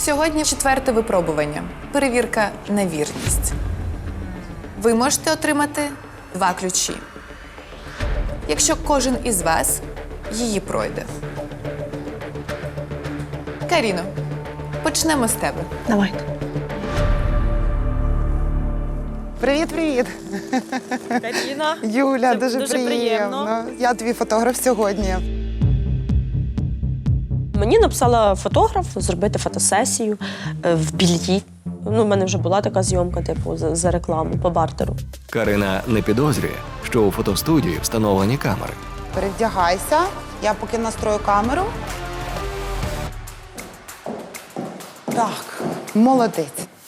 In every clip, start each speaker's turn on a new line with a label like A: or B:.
A: Сьогодні 4-те випробування. Перевірка на вірність. Ви можете отримати 2 ключі. Якщо кожен із вас її пройде. Каріно, почнемо з тебе.
B: Давайте.
C: Привіт-привіт.
B: Каріна.
C: Юля,
B: Це
C: дуже
B: дуже приємно.
C: Я твій фотограф сьогодні.
B: Мені написала фотограф зробити фотосесію в Більї. Ну, в мене вже була така зйомка, типу, за рекламу по бартеру.
D: Карина не підозрює, що у фотостудії встановлені камери.
C: Перевдягайся. Я поки настрою камеру. Так, молодець.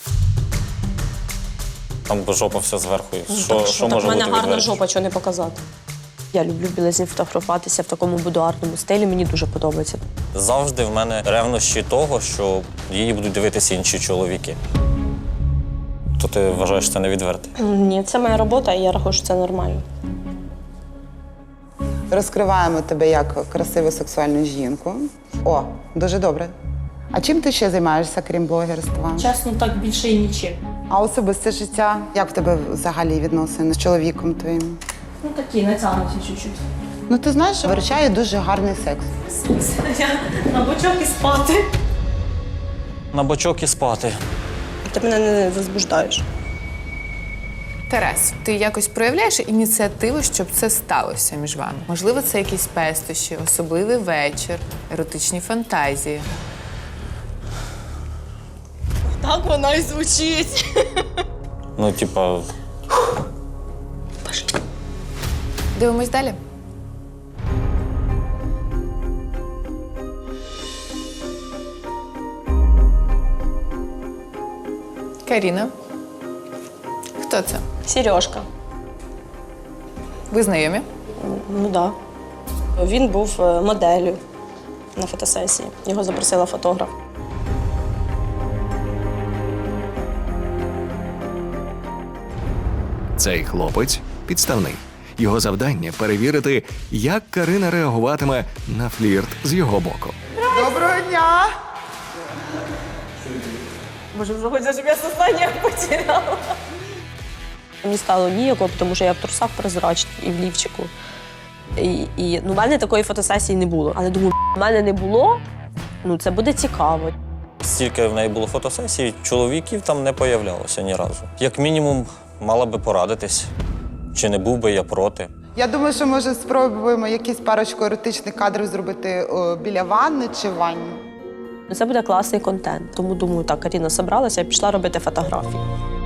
E: Там жопа вся зверху. Що
B: Так
E: може
B: в мене
E: бути
B: гарна
E: відверто?
B: жопа, чого не показати. Я люблю в білизні фотографуватися в такому будуарному стилі, мені дуже подобається.
E: Завжди в мене ревнощі того, що її будуть дивитися інші чоловіки. То ти вважаєш це невідвертим?
B: Ні, це моя робота, і я рахую, що це нормально.
C: Розкриваємо тебе як красиву сексуальну жінку. О, дуже добре. А чим ти ще займаєшся, крім блогерства?
B: Чесно, так більше і нічим.
C: А особисте життя? Як в тебе взагалі відносини з чоловіком твоїм?
B: Ну такі, натягнуті чуть-чуть.
C: Ну, ти знаєш, виручає дуже гарний секс.
B: Я на бочок і спати.
E: На бочок і спати.
B: Ти мене не возбуждаєш.
A: Тарас, ти якось проявляєш ініціативу, щоб це сталося між вами? Можливо, це якісь пестощі, особливий вечір, еротичні фантазії.
B: Так вона і звучить.
E: Ну, типа,
A: Дивимось далі. Каріна. Хто це?
B: Сережка.
A: Ви знайомі?
B: Ну так. Да. Він був моделлю на фотосесії. Його запросила фотограф.
D: Цей хлопець підставний. Його завдання – перевірити, як Карина реагуватиме на флірт з його боку.
C: Доброго дня!
B: Може, вже хочеш, щоб я сознання потеряла. Мені стало ніяко, тому що я в трусах прозрачна і в лівчику. Ну, в мене такої фотосесії не було. Але думаю, в мене не було, ну це буде цікаво.
E: стільки в неї було фотосесій, чоловіків там не появлялося ні разу. Як мінімум, мала би порадитись, чи не був би я проти.
C: Я думаю, що може спробуємо якісь парочку еротичних кадрів зробити біля ванни чи в ванні.
B: Це буде класний контент. Тому думаю, так, Каріна зібралася і пішла робити фотографії.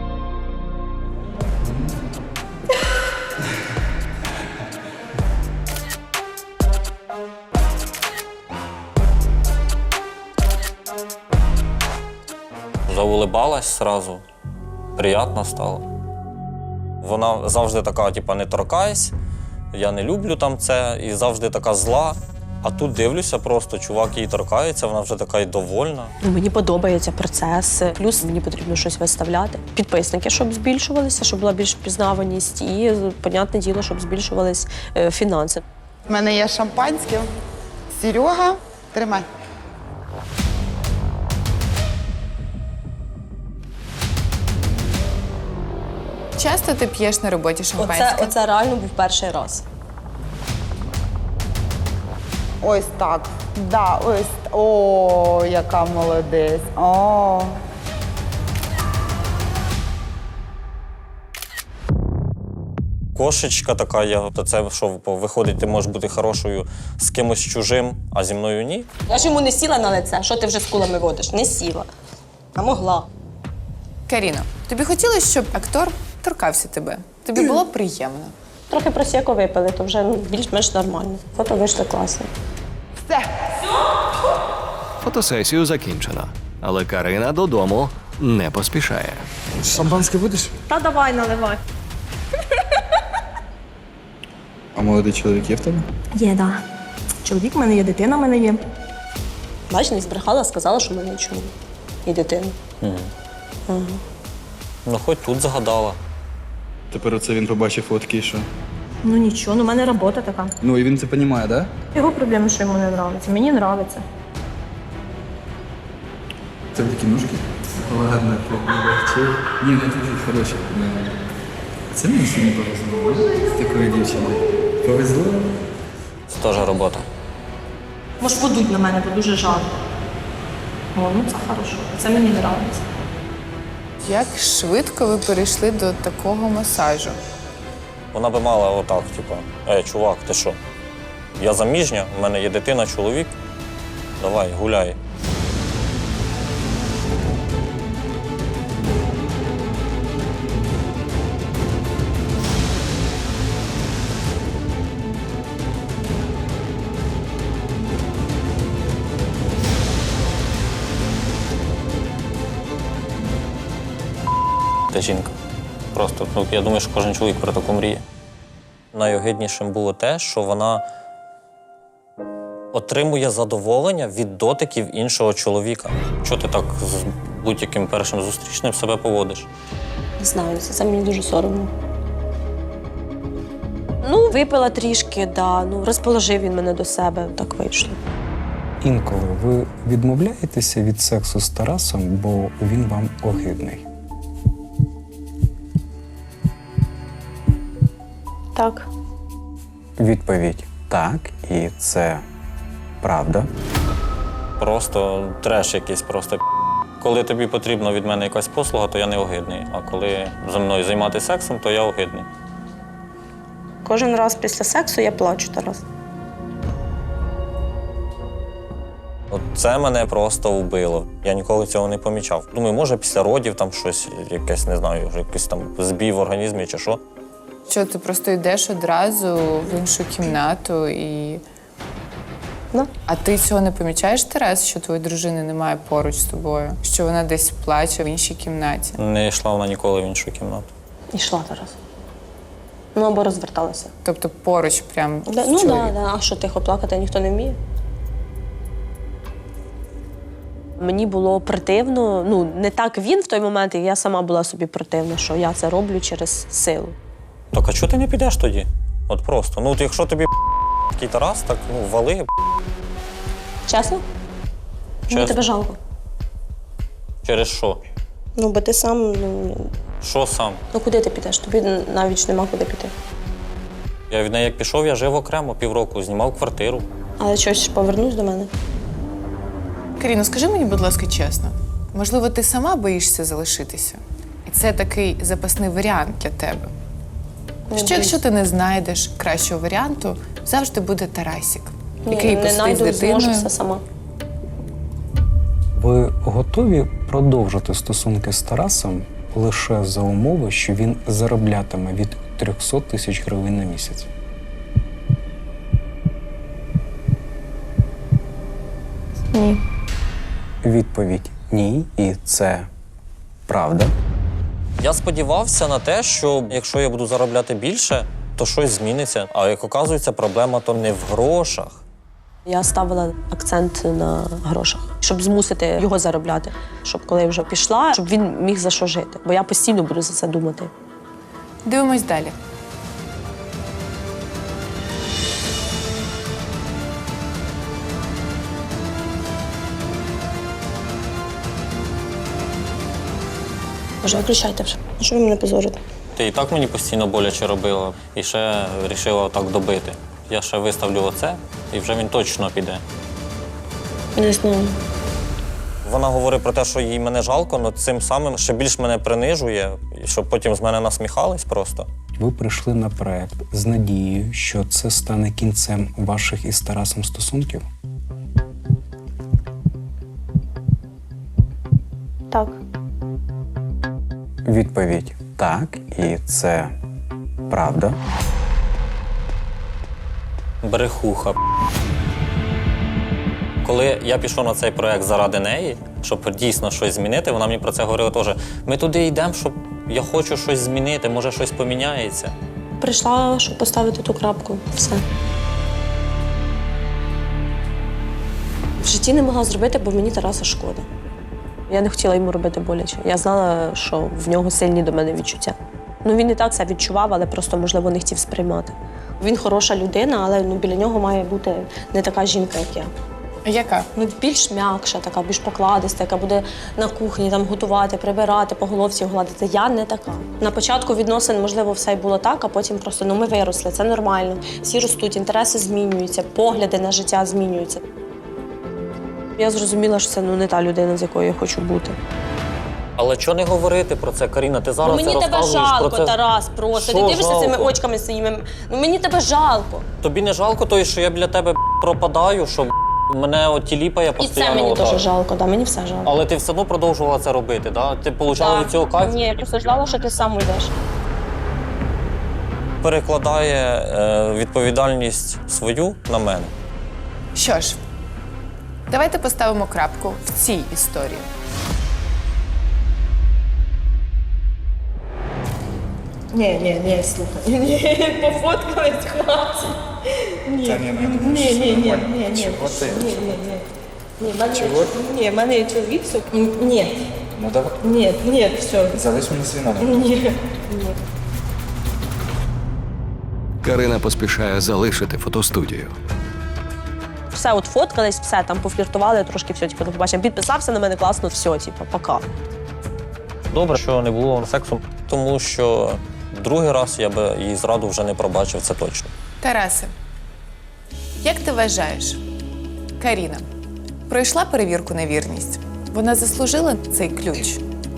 E: Заулибалась сразу, приємно стало. Вона завжди така, типа, не торкайся, я не люблю там це, і завжди така зла. А тут дивлюся просто, чувак їй торкається, вона вже така й довольна.
B: Ну, мені подобається процес, плюс мені потрібно щось виставляти. Підписники, щоб збільшувалися, щоб була більш впізнаваність і, понятне діло, щоб збільшувались фінанси.
C: У мене є шампанське. Серега, тримай.
A: Часто ти п'єш на роботі шампанське?
B: Оце реально був перший раз.
C: Ось так. Да, ось. О, яка молодець. О.
E: Кошечка така, то це що, виходить, ти можеш бути хорошою з кимось чужим, а зі мною ні.
B: Я ж йому не сіла на лице. Що ти вже з кулами водиш? Не сіла. А могла.
A: Каріно, тобі хотілося, щоб актор торкався тебе? Тобі було приємно?
B: Трохи просеку випили, то вже більш-менш нормально. Фото вийшло класно.
C: Все.
D: Фотосесію закінчено, але Карина додому не поспішає.
F: Шампанське будеш?
B: Та давай, наливай.
F: А молодий чоловік є в тебе?
B: Є, да. Чоловік в мене є, дитина в мене є. Бач, не збрехала, сказала, що в мене є чоловік. І дитина.
E: Ну, хоч тут загадала.
F: Тепер оце він побачив фотки і що?
B: Ну нічого, ну в мене робота така.
F: Ну і він це розуміє, так?
B: Його проблема, що йому не подобається. Мені подобається.
F: тебе такі ножки? Ладно, побачив. Ні, ну дуже хороші. Це мені сьогодні повезло, з такою дівчиною. Повезло?
E: Це теж робота.
B: Може, подуть на мене, бо дуже жарко. О, ну це хорошо. Це мені подобається.
A: Як швидко ви перейшли до такого масажу?
E: Вона би мала отак, типу, чувак, ти що? Я заміжня, в мене є дитина, чоловік. Давай, гуляй. Та жінка. Просто, ну, я думаю, що кожен чоловік про таку мріє. Найогиднішим було те, що вона отримує задоволення від дотиків іншого чоловіка. Чого ти так з будь-яким першим зустрічним себе поводиш?
B: Не знаю, це мені дуже соромно. Ну, випила трішки, да, ну, розположив він мене до себе, так вийшло.
G: Інколи ви відмовляєтеся від сексу з Тарасом, бо він вам огидний.
B: Так.
G: Відповідь так, і це правда.
E: Просто треш якийсь, просто коли тобі потрібна від мене якась послуга, то я не огидний. А коли зі мною займатися сексом, то я огидний.
B: Кожен раз після сексу я плачу, Тарас.
E: От це мене просто вбило. Я ніколи цього не помічав. Думаю, може після родів там щось, якесь, не знаю, якийсь там збій в організмі чи що.
A: Що ти просто йдеш одразу в іншу кімнату і.
B: Ну.
A: А ти цього не помічаєш, Тарас, що твоєї дружини немає поруч з тобою? Що вона десь плаче в іншій кімнаті?
E: Не йшла вона ніколи в іншу кімнату.
B: Ішла, Тарас. Ну, або розверталася.
A: Тобто поруч прям з
B: Ну, так,
A: чоловіком?
B: да. А що, тихо плакати ніхто не вміє? Мені було противно, ну, не так він в той момент, і я сама була собі противна, що я це роблю через силу.
E: Так, а чого ти не підеш тоді? От просто. Ну, от якщо тобі такий Тарас, так ну, вали.
B: Чесно? Мені
E: Чесно.
B: тебе жалко.
E: Через що?
B: Ну, бо ти сам,
E: Що сам?
B: ну куди ти підеш? Тобі навіть ж нема куди піти.
E: Я від неї як пішов, я жив окремо півроку, знімав квартиру.
B: Але щось повернусь до мене.
A: Каріно, скажи мені, будь ласка, чесно, можливо, ти сама боїшся залишитися? І це такий запасний варіант для тебе. Що якщо ти не знайдеш кращого варіанту, завжди буде Тарасік, який
B: не
A: посидить з
B: знайду, зможу
A: дитиною.
B: все сама.
G: Ви готові продовжити стосунки з Тарасом лише за умови, що він зароблятиме від 300 тисяч гривень на місяць?
B: Ні.
G: Відповідь ні, і це правда.
E: Я сподівався на те, що якщо я буду заробляти більше, то щось зміниться. А як оказується, проблема то не в грошах.
B: Я ставила акцент на грошах, щоб змусити його заробляти. Щоб коли я вже пішла, щоб він міг за що жити. Бо я постійно буду за це думати.
A: Дивимось далі.
B: Може, виключайте вже. Що ви мене позорите?
E: Ти і так мені постійно боляче робила, і ще вирішила так добити. Я ще виставлю оце, і вже він точно піде.
B: Не знаю.
E: Вона говорить про те, що їй мене жалко, але цим самим ще більш мене принижує, і щоб потім з мене насміхались просто.
G: Ви прийшли на проект з надією, що це стане кінцем ваших із Тарасом стосунків?
B: Так.
G: Відповідь так, і це правда.
E: Брехуха. Коли я пішов на цей проект заради неї, щоб дійсно щось змінити, вона мені про це говорила теж. Ми туди йдемо, щоб я хочу щось змінити, може щось поміняється.
B: Прийшла, щоб поставити ту крапку. Все. В житті не могла зробити, бо мені Тараса шкода. Я не хотіла йому робити боляче. Я знала, що в нього сильні до мене відчуття. Ну, він і так це відчував, але просто, можливо, не хотів сприймати. Він хороша людина, але біля нього має бути не така жінка, як я.
A: Яка?
B: Ну, більш м'якша, така, більш покладиста, яка буде на кухні там готувати, прибирати, по головці гладити. Я не така. На початку відносин, можливо, все й було так, а потім просто ми виросли, це нормально. Всі ростуть, інтереси змінюються, погляди на життя змінюються. Я зрозуміла, що це не та людина, з якою я хочу бути.
E: Але чого не говорити про це, Каріна? Ти зараз
B: Мені
E: це
B: тебе
E: розказуєш
B: жалко,
E: про це.
B: Тарас, просто.
E: Що
B: Ти дивишся
E: жалко?
B: цими очками своїми. Мені тебе жалко.
E: Тобі не жалко того, що я біля тебе пропадаю, що мене тіліпає
B: І
E: постійно.
B: це мені
E: отак?
B: теж жалко, да, мені все жалко.
E: Але ти все одно продовжувала це робити, да? Ти отримала
B: Так.
E: від цього кайф?
B: Ні, я просто ждала, що ти сам уйдеш.
E: Перекладає відповідальність свою на мене.
A: Що ж, давайте поставимо крапку в цій історії.
B: Ні, слухай. Ні, пофоткались, хлопці. Ні.
F: Чого ти?
B: Ні, в мене є чоловік, ні.
F: Ну давай.
B: Ні, все.
F: Залиш мені свій номер.
D: Карина поспішає залишити фотостудію.
B: Все, от фоткались, все, там пофліртували, трошки все, типу, до побачення. Підписався на мене класно, все, типу, пока.
E: Добре, що не було сексу, тому що другий раз я би її зраду вже не пробачив, це точно.
A: Тарасе, як ти вважаєш, Каріна пройшла перевірку на вірність? Вона заслужила цей ключ?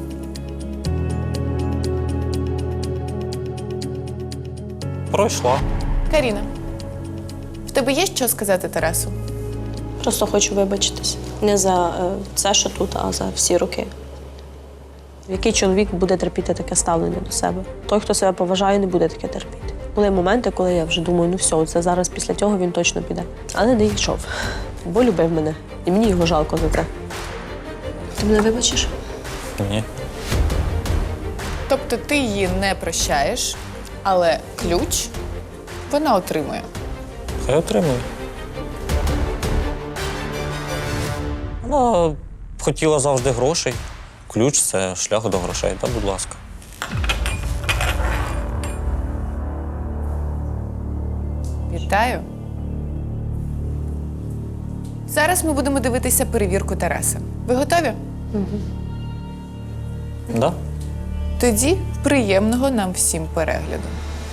E: Пройшла.
A: Каріна, в тебе є що сказати Тарасу?
B: Просто хочу вибачитись. Не за це, що тут, а за всі роки. Який чоловік буде терпіти таке ставлення до себе? Той, хто себе поважає, не буде таке терпіти. Були моменти, коли я вже думаю, ну все, це зараз після цього він точно піде. Але не йшов, бо любив мене. І мені його жалко за це. Ти мене вибачиш?
E: Ні.
A: Тобто ти її не прощаєш, але ключ вона отримує.
E: Хай отримує. Вона хотіла завжди грошей. Ключ – це шлях до грошей. Та, будь ласка.
A: Вітаю. Зараз ми будемо дивитися перевірку Тараса. Ви готові?
E: Да?
A: Тоді приємного нам всім перегляду.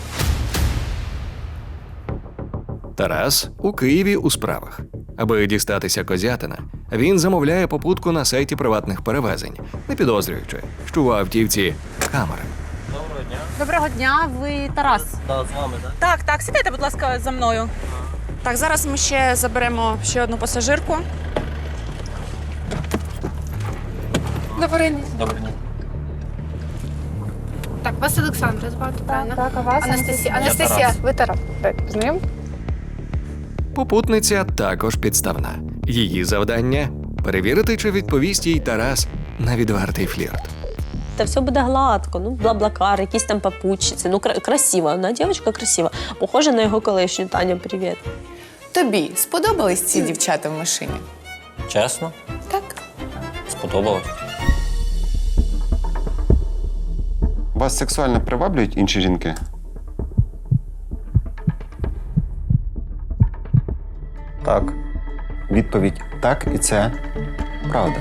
D: Тарас у Києві у справах. Аби дістатися Козятина, він замовляє попутку на сайті приватних перевезень, не підозрюючи, що у автівці камери.
E: Доброго дня.
H: Доброго дня, ви Тарас.
E: Так, з вами, так?
H: Так, сідайте, будь ласка, за мною. Так, зараз ми ще заберемо ще одну пасажирку. Добрий день.
E: Доброго дня.
I: Так, вас Олександра звати, правильно?
H: Так, а вас
I: Анастасія.
E: Я
I: Анастасія,
E: Тарас.
I: ви Тарас. Знайом?
D: Попутниця також підставна. Її завдання – перевірити, чи відповість їй Тарас на відвертий флірт.
B: Та все буде гладко, ну, бла-блакар, якісь там папучиці. Ну, красива, вона дівчинка красива. Похожа на його колишню. Таня, привіт.
A: Тобі сподобались ці дівчата в машині?
E: Чесно?
A: Так.
E: Сподобалось.
J: Вас сексуально приваблюють інші жінки?
E: Так.
J: Відповідь так, і це правда.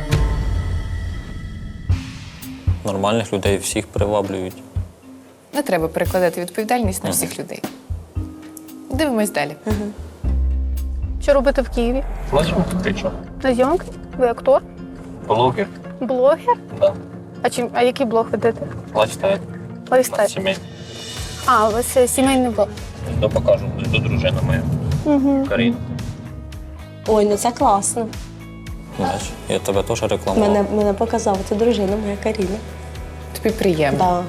E: Нормальних людей всіх приваблюють.
A: Не треба перекладати відповідальність на всіх людей. Дивимось далі.
I: Що робите в Києві?
E: Плачу, кричу.
I: На зйомки? Ви актор?
E: Блогер?
I: Блогер?
E: Так.
I: А який блог ведете?
E: Лайфстайл.
I: Лайфстайл.
E: Сімей.
I: А, у вас сімейний блог.
E: То покажу, до дружина моя. Каріна.
B: Ой, ну це класно.
E: Знаєш, я тебе теж рекламував.
B: Мене показав, це дружина моя Каріна.
A: Тобі приємно.
B: Да.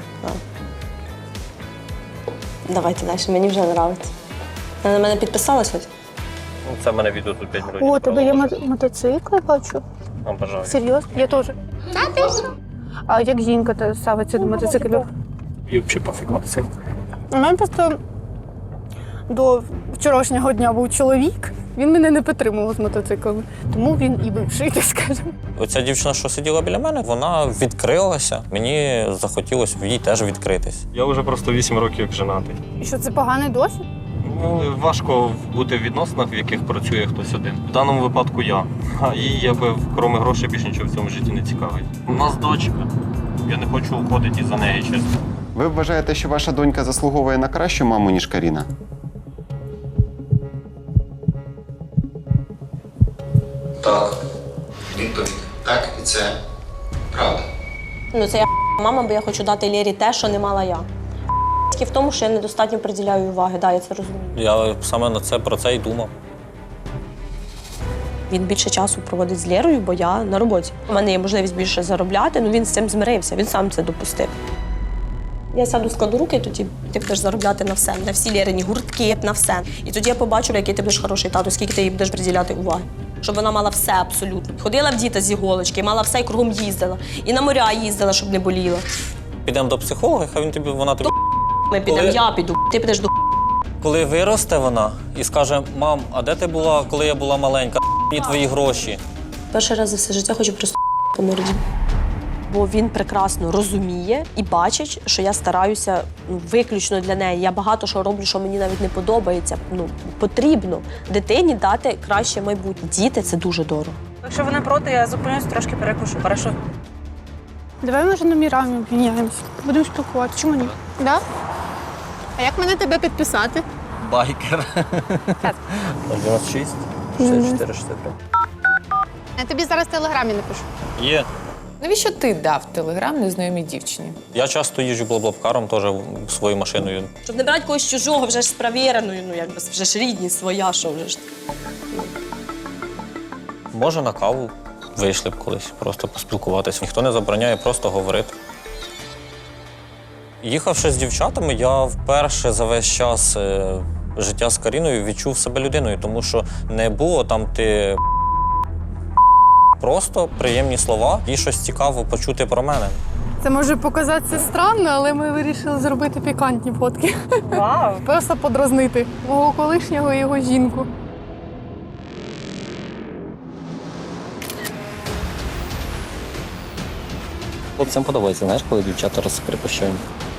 B: Давайте далі, мені вже подобається. Вона на мене підписалась ось?
E: Ну, це в мене відео тут 5 років.
I: О, у тебе є мотоцикли, бачу.
E: Вам бажаю.
I: Серйозно? Я теж. А як жінка ставиться до мотоциклів?
E: І взагалі пофіг мотоцикл.
I: У мене просто до вчорашнього дня був чоловік. Він мене не підтримував з мотоциклами. Тому він і бивший, так скажемо.
E: Оця дівчина, що сиділа біля мене, вона відкрилася. Мені захотілося в їй теж відкритись.
K: Я вже просто 8 років як женатий.
I: І що це поганий досвід?
E: Важко бути в відносинах, в яких працює хтось один. В даному випадку я. А їй, якби, крім грошей, більше нічого в цьому житті не цікавить. У нас дочка. Я не хочу уходити із-за неї, чесно.
J: Ви вважаєте, що ваша донька заслуговує на кращу маму, ніж Каріна?
K: Так. Відповідь. Так, і це правда.
B: Ну, це я мама, бо я хочу дати Лєрі те, що не мала я. В тому, що я недостатньо приділяю уваги, да, я це розумію.
E: Я саме про це й думав.
B: Він більше часу проводить з Лєрою, бо я на роботі. У мене є можливість більше заробляти, він з цим змирився, він сам це допустив. Я сяду, складу руки, тоді ти будеш заробляти на все, на всі Лєрині гуртки, на все. І тоді я побачу, який ти будеш хороший тато, скільки ти їй будеш приділяти уваги. Щоб вона мала все абсолютно. Ходила в діта з іголочки, мала все і кругом їздила. І на моря їздила, щоб не боліла.
E: Підемо до психолога, хай вона тобі...
B: Ми підемо, я піду, ти підеш до
E: Коли виросте вона і скаже: мам, а де ти була, коли я була маленька? Мені твої гроші.
B: перший раз за все життя хочу просто по морді. Бо він прекрасно розуміє і бачить, що я стараюся виключно для неї. Я багато що роблю, що мені навіть не подобається. Потрібно дитині дати краще майбутнє. Діти – це дуже дорого.
H: Якщо ви не проти, я зупинюсь, трошки перекушу. Хорошо?
I: Давай, може, номерами обміняємося. Будемо спілкуватися. Чому ні? Да? А як мене тебе підписати?
E: Байкер. 96, 64, 63.
I: Я тобі зараз в телеграмі напишу.
E: Є.
A: Навіщо ти дав телеграм незнайомій дівчині?
E: Я часто їжджу блаблабкаром, теж своєю машиною.
B: Щоб не брати когось чужого, вже ж з перевіреною, вже ж рідні, своя, що вже ж.
E: Може, на каву вийшли б колись, просто поспілкуватися. Ніхто не забороняє просто говорити. Їхавши з дівчатами, я вперше за весь час життя з Каріною відчув себе людиною, тому що не було там ти просто приємні слова і щось цікаво почути про мене.
I: Це може показатися странно, але ми вирішили зробити пікантні фотки.
H: Вау!
I: Просто подразнити мого колишнього і його жінку.
E: Хлопцям подобається, знаєш, коли дівчата розкрепощені.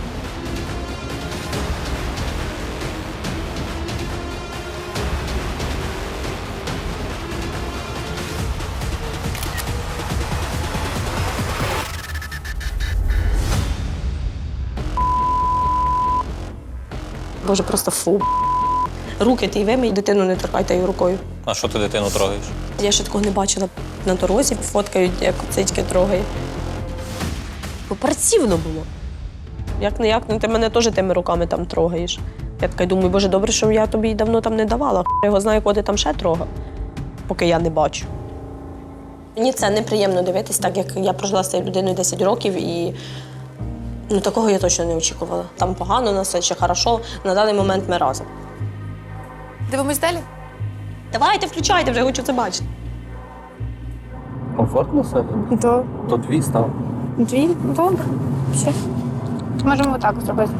B: Боже, просто фу. Руки ти вимий, дитину не торкайте її рукою.
E: А що ти дитину трогаєш?
B: Я ще такого не бачила на дорозі, фоткають, як цицьки трогає. Бо противно було. Як ти мене теж тими руками там трогаєш. Я така думаю, боже, добре, що я тобі давно там не давала. Я його знаю, кого ти там ще трогав, поки я не бачу. Мені це неприємно дивитись, так як я прожила з цією людиною 10 років і такого я точно не очікувала. Там погано, на все чи хорошо, на даний момент ми разом.
A: Дивимось далі?
B: Давайте, включайте, вже хочу це бачити.
E: Комфортно все?
I: То
E: То дві став.
I: дві? Добре. Все. Можемо отак зробити.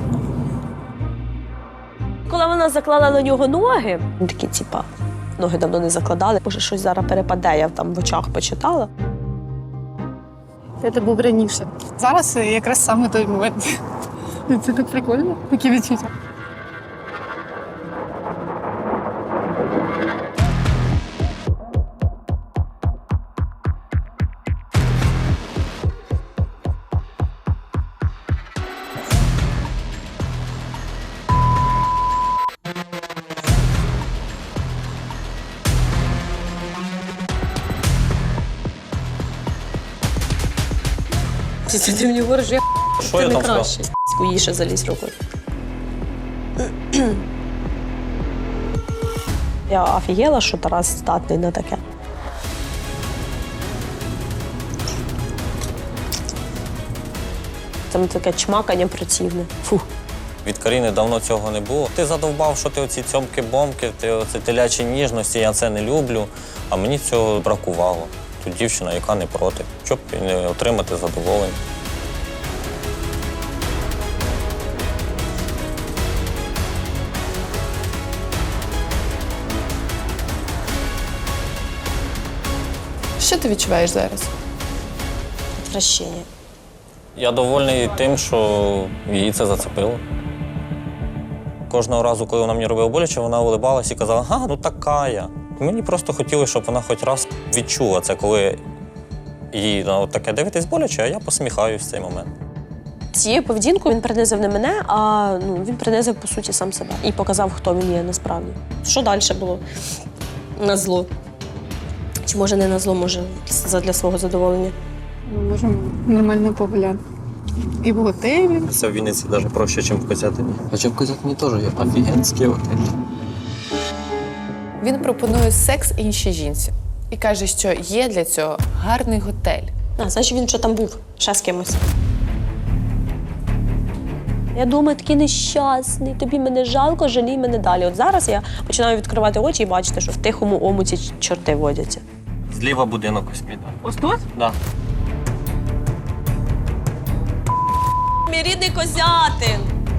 B: Коли вона заклала на нього ноги, він такий, ноги давно не закладали, боже, щось зараз перепаде, я там в очах почитала.
I: Це був раніше. Зараз якраз саме той момент. Це так прикольно, такі відчуття.
B: Ти мені говориш, я
E: Що
B: це
E: я
B: не
E: там сказав?
B: краще. Скуїше залізь рукою. Я офігела, що Тарас здатний на таке. Там таке чмакання противне. Фу.
E: Від Каріни давно цього не було. Ти задовбав, що ти оці цьомки-бомки, ти оці телячі ніжності, я це не люблю. А мені цього бракувало. Тут дівчина, яка не проти, щоб не отримати задоволення.
A: Що ти відчуваєш зараз?
B: Відвращення.
E: Я довольний тим, що її це зацепило. Кожного разу, коли вона мені робила боляче, вона улибалась і казала, ага, ну така я. І мені просто хотілося, щоб вона хоч раз відчула це, коли їй таке дивитись боляче, а я посміхаюсь в цей момент.
B: Цією поведінкою він принизив не мене, а він принизив, по суті, сам себе. І показав, хто він є насправді. Що далі було? На зло. Чи може не на зло, може для свого задоволення.
I: Ми можемо нормально погуляти. І в готелі.
E: Це в Вінниці навіть проще, ніж в Козятині. Хоча в Козятині теж є офігенський готель.
A: Він пропонує секс іншій жінці і каже, що є для цього гарний готель.
B: Значить, він що там був, ще з кимось. Я думаю, такий нещасний, тобі мене жалко, жалій мене далі. От зараз я починаю відкривати очі і бачити, що в тихому омуті чорти водяться.
E: Зліва будинок ось піде.
H: Ось тут?
E: Да.
B: Мій рідний Козятин.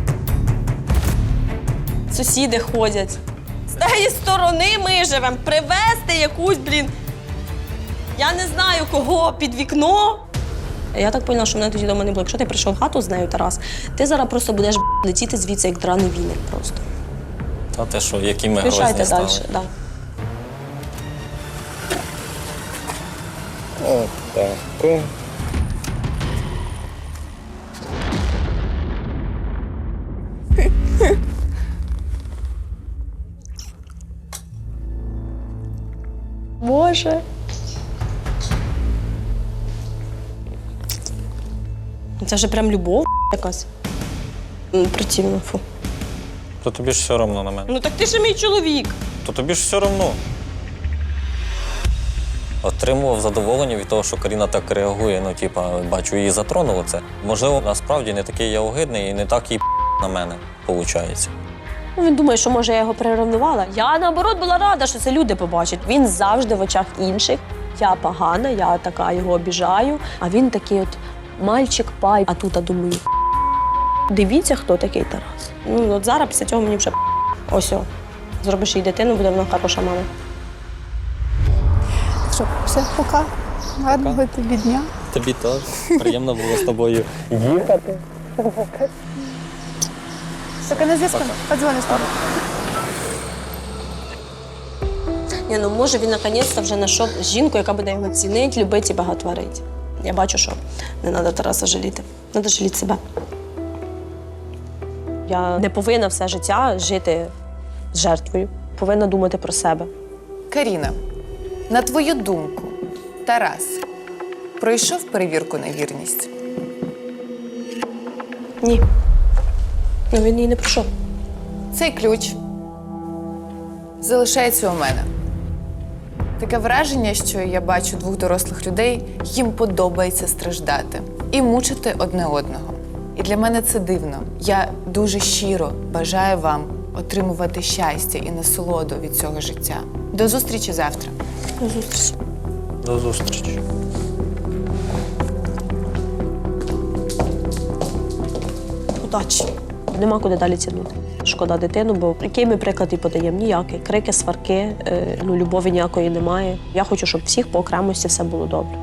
B: Сусіди ходять. З тієї сторони ми живемо. Привезти якусь, я не знаю кого під вікно. Я так поняла, що мене тоді дома не було. Якщо ти прийшов в хату з нею, Тарас, ти зараз просто будеш летіти звідси, як драний віник просто.
E: Та те, що, які ми
B: Пішайте
E: грозні стали.
B: далі. Да. Боже. Це вже прям любов якась. Противно, фу.
E: То тобі ж все одно на мене.
B: Ну так ти ж мій чоловік.
E: То тобі ж все одно. Отримував задоволення від того, що Каріна так реагує. Ну, типа, бачу, її затронуло це. Можливо, насправді не такий я огидний і не так їй на мене виходить.
B: Ну, він думає, що, може, я його переревнувала. Я, наоборот, була рада, що це люди побачать. Він завжди в очах інших. Я погана, я така його обіжаю. А він такий от мальчик-пай. А тут, думаю, дивіться, хто такий Тарас. Ну, от зараз після цього мені вже ось. Зробиш їй дитину, буде вона хороша мама.
I: Що, все, пока. Гарного тобі дня.
E: Тобі теж. Приємно було з тобою їхати.
I: Поки на зв'язку. Подзвони з тобою.
B: Ні, ну може він наконець-то вже знайшов жінку, яка буде його цінити, любити і багатворити. Я бачу, що не треба Тараса жаліти. Треба жаліти себе. Я не повинна все життя жити з жертвою. Повинна думати про себе.
A: Каріна, на твою думку, Тарас пройшов перевірку на вірність?
B: Ні. Ну, він її не пройшов.
A: Цей ключ залишається у мене. Таке враження, що я бачу двох дорослих людей, їм подобається страждати і мучити одне одного. І для мене це дивно. Я дуже щиро бажаю вам отримувати щастя і насолоду від цього життя. До зустрічі завтра.
B: До зустрічі.
E: До зустрічі.
B: Удачі. Нема куди далі тягнути. Шкода дитину, бо який ми приклад і подаємо? Ніякий. Крики, сварки, любові ніякої немає. Я хочу, щоб всіх по окремості все було добре.